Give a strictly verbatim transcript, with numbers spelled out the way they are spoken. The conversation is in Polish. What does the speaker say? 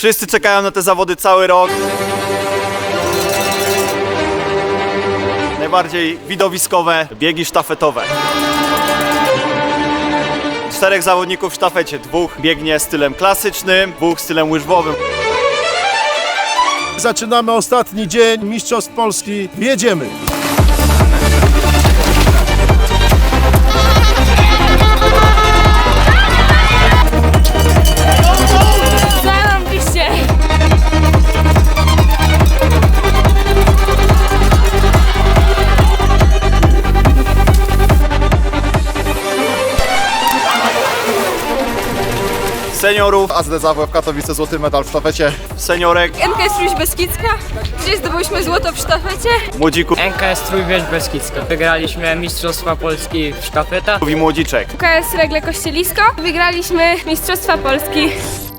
Wszyscy czekają na te zawody cały rok. Najbardziej widowiskowe biegi sztafetowe. Czterech zawodników w sztafecie. Dwóch biegnie stylem klasycznym, dwóch stylem łyżwowym. Zaczynamy ostatni dzień Mistrzostw Polski. Jedziemy! Zarobiście! Seniorów, A Z D Z W F Katowice złoty medal w sztafecie. seniorek, N K S Trójś Beskidzka, gdzie zdobyliśmy złoto w sztafecie. młodzików N K S Trójwież Beskidzka. Wygraliśmy Mistrzostwa Polski w sztafetach. i młodziczek. K S Regle Kościelisko, wygraliśmy Mistrzostwa Polski.